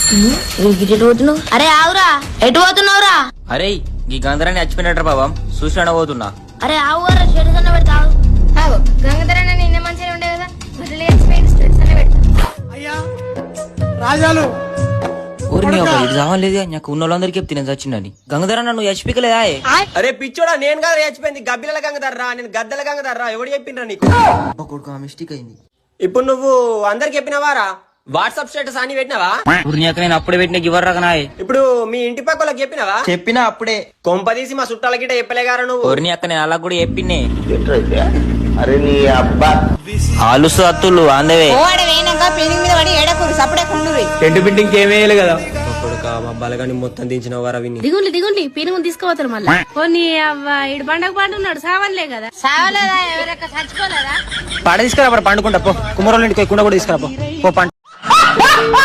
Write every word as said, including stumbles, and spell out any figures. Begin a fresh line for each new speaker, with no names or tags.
పోతున్నావు? అరే ఆవురా, ఎటు పోతున్నావురా?
అరే ఈ గంధరాన్ని చచ్చిపోయినట్రా బాబా, చూసినా పోతున్నా.
అరే ఆవురా, షెడ్స్ అన్న పెడతావు. గంగధరన్న నిన్న మంచిగా ఉండే కదా, బట్టలు వేసిపోయింది, షెడ్స్ అన్న పెట్టు.
అయ్యా రాజాలు
ఊరిని ఒక ఇటు కావాలేదు నాకు ఉన్న వాళ్ళందరికీ చెప్తే నేను చచ్చిందని. గంగధరన్న నువ్వు చచ్చిపోకలేదా?
అరే పిచ్చోడా, నేను కదా చచ్చిపోయింది. గబ్బిల గంగధర్రా, నేను గద్దెల గంగధర్రా. ఎవడు చెప్పిండ్రా నీకు?
కొడుకు మిస్టేక్ అయింది.
ఇప్పుడు నువ్వు అందరికి చెప్పినవారా? వాట్సాప్ స్టేటస్ అని పెట్టినావా?
ఊరిని నేను అప్పుడే పెట్టిన గివర్ రకనాయ్.
ఇప్పుడు మీ ఇంటి పక్కలకు చెప్పినావా?
చెప్పినా అప్పుడే.
కొంపదీసి మా చుట్టాల గిట్ట చెప్పలేగారా నువ్వు?
ఊరిని అక్క నేను అలా కూడా చెప్పినే. ఆలుసు అత్తులు అందవే
టెంట్ బిల్డింగ్ ఏమేయాలి కదా. కొడుక మా బలగాని మొత్తం దించిన వారా విని.
దిగుండి దిగుండి, పీనుగు తీసుకుపోతారు మళ్ళీ. పోనీ అవ్వ ఇడు పండగ పండున్నాడు, సావన్లే కదా. సావలేదా? ఎవరక్క చచ్చిపోలేదా?
పాడ తీసుకురా పండుకుంటా పో. కుమ్మరోళ్ళ ఇంటికి కుండ కూడా తీసుకురా పో. పో పండు.